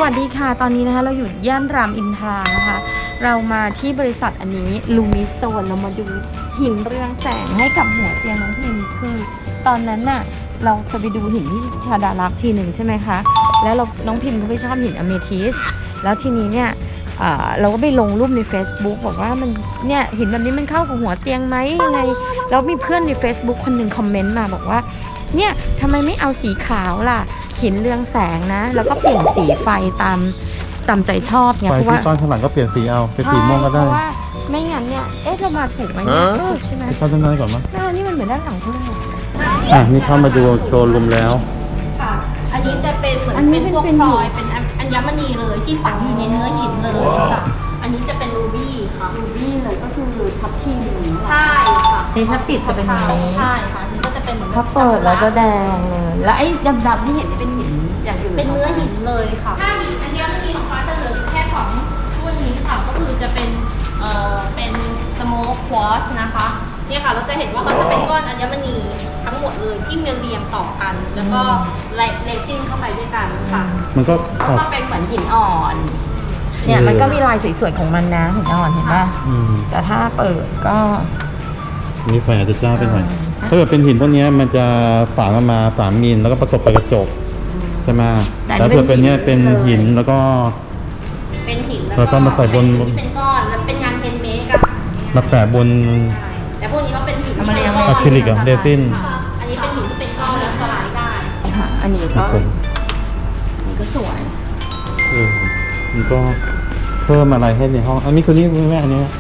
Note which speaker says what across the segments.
Speaker 1: วัสดีค่ะตอนนี้นะคะเราอยู่ย่านรามอินทรานะคะเรามาที่บริษัทอันนี้ลูมิสโตนเรามาดูหินเรืองแสงให้กับหัวเตียงน้องพิมคือตอนนั้นน่ะเราจะไปดูหินที่ชาดาลักษ์ทีหนึ่งใช่ไหมคะแล้วน้องพิมก็ไม่ชอบหินอเมทิสแล้วทีนี้เนี่ยเราก็ไปลงรูปใน Facebook บอกว่ามันเนี่ยหินแบบนี้มันเข้ากับหัวเตียงไหมยังไงแล้วมีเพื่อนใน Facebook คนหนึ่งคอมเมนต์มาบอกว่าเนี่ยทำไมไม่เอาสีขาวล่ะหินเรืองแสงนะแล้วก็เปลี่ยนสีไฟตามใจชอบไงเพราะว่า
Speaker 2: ตอนข้างหลังก็เปลี่ยนสีเอาเป็นสีม่วงก็ได้
Speaker 1: เพราะว่าไม่งั้นเนี่ยเรามาถูกไหมถูกใช่ไหม
Speaker 2: เข้าด้านในก่อนมั้ย
Speaker 1: นี่มันเหมือนด้านหลังเขาเลย
Speaker 2: นี่เข้ามาดูโชว์รูมแล้ว
Speaker 3: ค่ะอันนี้จะเป็นเหมือนเป็นพวกพลอยเป็นอัญมณีเลยที่ฝังอยู่ในเนื้อหินเลยค่ะอันนี้จะเป็นรูบี้ค่ะ
Speaker 1: รูบี้เลยก็คือทับทิม
Speaker 3: ใช่ค่ะ
Speaker 1: นี่ถ้าปิดจะเป็นอย่างนี้
Speaker 3: ใช่ค่ะนี่ก็จะเป็นเหมือน
Speaker 1: ถ้าเปิดแล้วจะแดงเลยแล้วไอ้ดำๆที่เห็นนี่เป็นหินอย่างอื่น
Speaker 3: เป็นเนื้อหินเลยค่ะถ้าหินอัญมณีของฟ้าจะเหลือแค่2รุ่นนี้ค่ะก็คือจะเป็นสโมกควอสนะคะเนี่ยค่ะเราจะเห็นว่าเขาจะเป็นก้อนอัญมณีทั้งหมดเลยที่เรียงต่อกันแล้วก็เลซิ่งเข้าไปด้วยกันค่ะ
Speaker 2: มันก็
Speaker 1: เป็นเหมือนหินอ่อนเนี่ยมันก็มีลายสวยๆของมันนะหินอ่อนเห็นป่ะแต่ถ้าเปิดก็
Speaker 2: นี่ไฟอาจจะจ้าไปหน่อยถ้าเกิดเป็นหินพวกนี้มันจะฝานมา3 มิลแล้วก็ประกบกับกระจกใช่ไหมแต่เผื่อเป็นเนี้ยเป็นหินแล้วก็
Speaker 3: เป็นหินแล้วก็
Speaker 2: มาใส่บน
Speaker 3: ที่เป็นก้อนแล้วเป็นงานเฮนด์เมดอะ
Speaker 2: มาแปะบน
Speaker 3: แต่พวกนี้ก็เป็นหิน
Speaker 2: อะคริลิกเรซิน
Speaker 3: อันนี้เป็นหินที่เป็นก้อนแล้วสลายได้
Speaker 1: ค่ะอันนี้ก็สวย
Speaker 2: มันก็เพิ่มอะไรให้ในห้องอันนี้คนนี้แม่อันนี้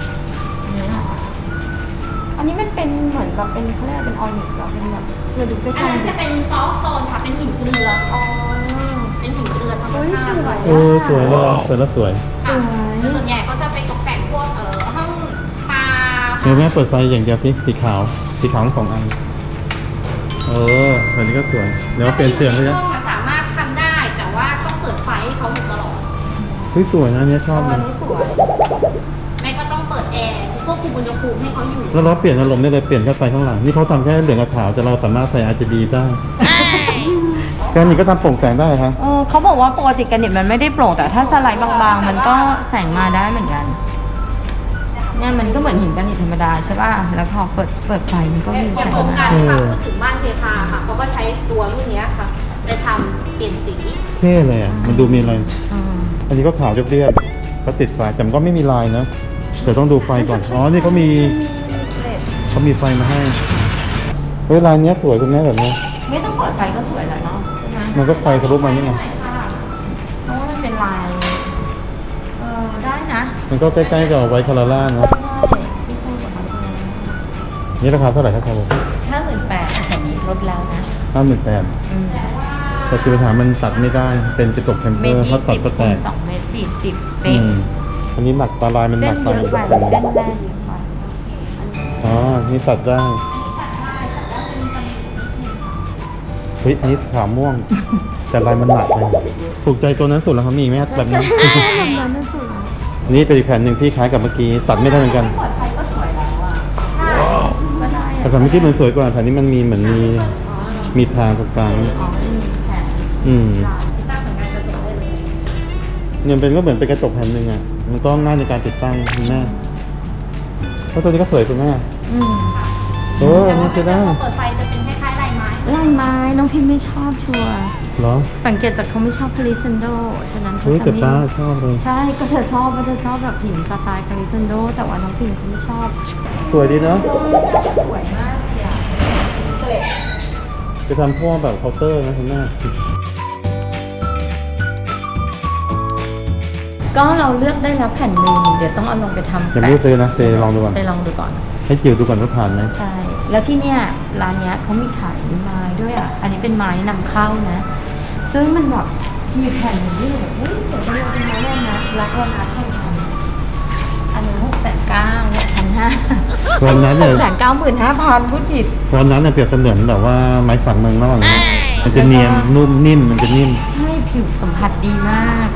Speaker 1: อันนี้มันเป็นเหมือนแบบเป็นเขาเรียกเป็นออนิกหรอเป็นแบบเราดูใกล้ๆ
Speaker 3: อันนั้นจะเป็นซอฟต์สโตนค่ะเป็นหินเกลือเป็นหินเกลือธรรมชาติ
Speaker 2: สวยเลยสวยแล้วสวย
Speaker 3: ส่วนใหญ่เขาจะไปตกแต่งพวกห้องสปา
Speaker 2: แม่เปิดไฟอย่างเดียวสิสีขาวทั้ง2 อันอันนี้ก็สวยเดี๋ยวเปลี่ยนเสียงเลยนะ
Speaker 3: สามารถทำได้แต่ว่าต้องเปิดไฟให้เขาอยู่ตลอด
Speaker 2: สวยนะเนี่ยชอบเลย
Speaker 3: แม่ก็ต้องเปิดแอร์ควบคุมอุณหภูมิให้เขาอยู่
Speaker 2: แล้วเราเปลี่ยนอารมณ์ได้เลยเปลี่ยนแค่ไฟข้างหลังนี่เขาทำแค่เหลืองกับขาวแต่เราสามารถใส่ RGB ได้แค่นี้ก็ทำโปร่งแสงได้ครับ
Speaker 1: เขาบอกว่าปกติกันเนี่ยมันไม่ได้โปร่งแต่ถ้าสไลด์บางๆมันก็แสงมาได้เหมือนกันเนี่ยมันก็เหมือนหินกันธรรมดาใช่ป่ะแล้วพอเปิดไฟมันก็มีแสง
Speaker 3: มาพูดถึงบ้านเทพาค่ะเขาก็ใช้ตัวรุ่นนี้ค่ะไปทำเปลี่ยนสี
Speaker 2: เท่เลยมันดูมีอะไรอันนี้ก็ขาวเรียบๆก็ติดไฟแต่มันก็ไม่มีลายนะแต่ต้องดูไฟก่อนนี่เขามีไฟมาให้ลายนี้สวยคุณแม่แบบนี้
Speaker 1: ไม่ต้องเปิดไฟก็สวยแล้วเนาะ
Speaker 2: มันก็ไฟทะลุมานี่ไง
Speaker 1: เพราะว่ามันเป็นลายได้นะ
Speaker 2: มันก็ใกล้ๆกับไวท์คาราล่าเนาะนี่ราคาเท่าไหร่ครับผม
Speaker 1: 58,000แต่นี้ลดแล้วนะ
Speaker 2: 58,000แต่คือปัญหามันตัดไม่ได้เป็นกระจกแคมเปอร์เขาตัดก็แตก
Speaker 1: 2.40 เมตรเป็น
Speaker 2: อันนี้หนักปลายมันหนักไป
Speaker 1: เส้นได้เยอะกว่า
Speaker 2: นี่ตัดได้อันนี้ขาวม่วงแต่ลายมันหนักเลยถูกใจตัวนั้นสุดแล้วครับมีไหมแบบนั้นนี่เป็นอีกแผ่นหนึ่งที่คล้ายกับเมื่อกี้ตัดไม่ได้เหมือนกัน
Speaker 1: เปิดไฟก็สวยแล้ว
Speaker 2: แต่เมื่อกี้มันสวยกว่าแผ่นนี้มันมีเหมือนมีทางตรงกลางเนี่ยเป็นก็เหมือนเป็นกระจกแผ่นหนึ่งมันก็ง่ายในการติดตั้งคุณแม่เพราะตัวนี้ก็สวยคุณแม่
Speaker 3: นี่จะได้เปิดไฟจะเป็นคล้ายๆลาย
Speaker 1: ไม้น้องพิมไม่ชอบชัวร์
Speaker 2: หรอ
Speaker 1: สังเกตจากเขาไม่ชอบคาริซันโดฉะนั้นเขาจะไม่
Speaker 2: ชอบเลย
Speaker 1: ใช่ก็เธอชอบแบบหินสไตล์คาริซันโดแต่ว่าน้องพิมเขาไม่ชอบ
Speaker 2: สวยดีเนาะ
Speaker 1: สวยมากเลย
Speaker 2: จะทำพวกแบบเคาน์เตอร์นะคุณแม่
Speaker 1: ก็เราเลือกได้แล้วแผ่นหนึ่งเดี๋ยวต้องเอาลงไปทำ
Speaker 2: ยังไม่ซื้อนะลองดูก่อน
Speaker 1: ไปลองดูก่อน
Speaker 2: ให้จิ๋วดูก่อนว่าผ่านไหม
Speaker 1: ใช่แล้วที่เนี่ยร้านเนี้ยเขามีขายไม้ด้วยอันนี้เป็นไม้นำเข้านะซึ่งมันแบบมีแผ่นอย่างนี้แบบสวยจังเลยเป็นไม้แน่นะรักวันอาร์ตแข่งขันอันนี้690,000
Speaker 2: วันนั้นเนี่ย
Speaker 1: 695,000พูดผิด
Speaker 2: วันนั้นเนี่ยเปรียบเสมือนแบบว่าไม้สักเมืองนอกมันจะเนียนนุ่มนิ่มมันจะนิ่ม
Speaker 1: ใช่ผิวสัมผัสดีมาก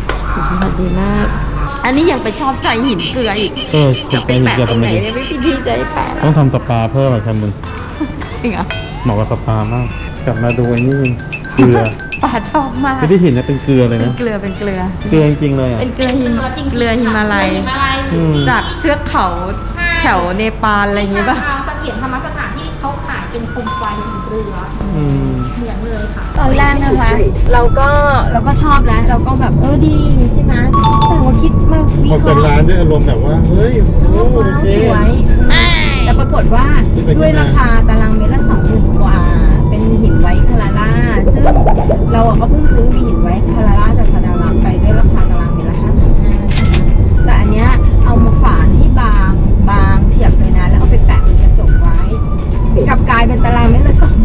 Speaker 1: อันนี้ยังไปชอบใจหินเกลืออีก
Speaker 2: จะไปหินเกลือทำไม
Speaker 1: ไม่พิธีใจแปะ
Speaker 2: ต้องทำสปาเพิ่มอะไรครับมึง
Speaker 1: จริงเหรอ
Speaker 2: เหมาะกับสปามากกลับมาดูไอ้นี่เกลือ
Speaker 1: ป๋าชอบมาก
Speaker 2: คือที่หินเนี่ยเป็นเกลือเลย
Speaker 1: เป็น
Speaker 2: นะ
Speaker 1: เกลือเป็นเกลือ
Speaker 2: เกลือจริงๆเลยอ่ะ
Speaker 1: เป็นเกลือหิม
Speaker 3: จริงๆ
Speaker 1: เกลือหิมาลัย
Speaker 3: เกลือหิมาลัย
Speaker 2: อืม
Speaker 1: จากเทือกเขา
Speaker 3: ใช่
Speaker 1: แถวเนปาลอะไรอย่างงี้ป่ะ
Speaker 3: เอาเสถียรธรรมสถานที่เขาขายเป็นโคมไฟหินเกลือ
Speaker 2: อืม
Speaker 3: เหมือนเลยค่ะ
Speaker 1: ตอนแรกนะคะเราก็ชอบแล้วเราก็แบบดีใช่ไหมแต่ว่าคิดมาวิ
Speaker 2: พอ
Speaker 1: เค
Speaker 2: เปิ
Speaker 1: ราะ
Speaker 2: ด
Speaker 1: ห์
Speaker 2: ร้านด้วยอารมณ์แบบว่า เฮ้ย
Speaker 1: ช
Speaker 2: โอ้
Speaker 1: อบ
Speaker 2: โอ
Speaker 1: ว้าว
Speaker 2: เค
Speaker 1: สวยแต่ปรากฏว่า
Speaker 2: ขึ้นไป
Speaker 1: ด้วยราคาตารางเมตรละ20,000 กว่า เป็นหินไวท์คาราล่าซึ่งเราก็เพิ่งซื้อมีหินไวท์คาราล่าจากซาดารักไปด้วยราคาตารางเมตรละ5,500ใช่ไหมแต่อันเนี้ยเอามาฝานให้บางเฉียบเลยนะแล้วเอาไปแปะเป็นกระจกไว้กลับกลายเป็นตารางเมตรละ20,000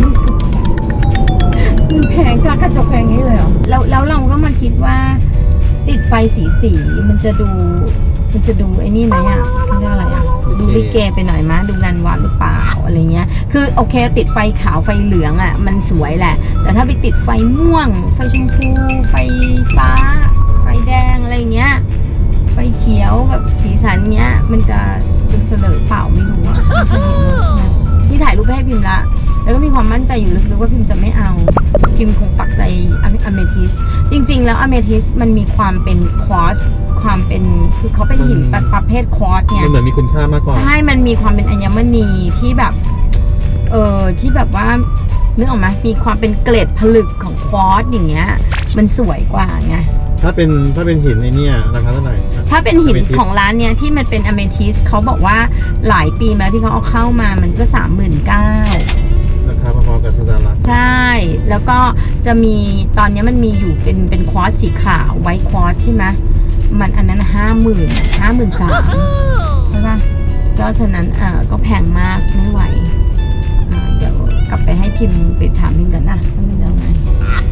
Speaker 1: มันแพงค่ากระจกแพงงี้เลยเหรอแล้วเราก็มาคิดว่าติดไฟสีมันจะดูไอ้นี่ไหมอ่ะเขาเรียกอะไรอ่ะดูลิเกไปหน่อยมั้ยดูงานวัดหรือเปล่าอะไรเงี้ยคือโอเคติดไฟขาวไฟเหลืองอ่ะมันสวยแหละ แต่ถ้าไปติดไฟม่วงไฟชมพูไฟฟ้าไฟแดงอะไรเงี้ยไฟเขียวแบบสีสันเงี้ยมันจะเป็นเสลอเปล่าไม่รู้อ่ะไม่เคยเห็นเลยที่ถ่ายรูปไปให้พิมพ์ละแล้วก็มีความมั่นใจอยู่ลึกๆว่าพิมพ์จะไม่เอาพิมพ์คงปักใจอเมทิสจริงๆแล้วอเมทิสมันมีความเป็นควอสความเป็นคือเขาเป็นหินประเภทควอสเนี่ย
Speaker 2: มันเหมือนมีคุณค่ามากกว่า
Speaker 1: ใช่ มันมีความเป็นอัญมณีที่แบบที่แบบว่านึกออกไหมมีความเป็นเกล็ดผลึกของควอสอย่างเงี้ยมันสวยกว่าไง
Speaker 2: ถ้าเป็นหินในเนี่ยราคาเท่าไหร่
Speaker 1: ถ้าเป็นหิน
Speaker 2: Amethyst
Speaker 1: ของร้านเนี้ยที่มันเป็นอเมทิสเขาบอกว่าหลายปีมาแล้วที่เขาเอาเข้ามามันก็ 39,000
Speaker 2: ราคาพอๆกับซาดารัก
Speaker 1: ใช่ แล้วก็จะมีตอนนี้มันมีอยู่เป็นควอสสีขาวไวท์ควอสใช่ไหมมันอันนั้น 53,000ใช่ป่ะก็ฉะนั้นก็แพงมากไม่ไหวเดี๋ยวกลับไปให้พิมพ์ไปถามพิมพ์กันนะว่าเป็นยังไง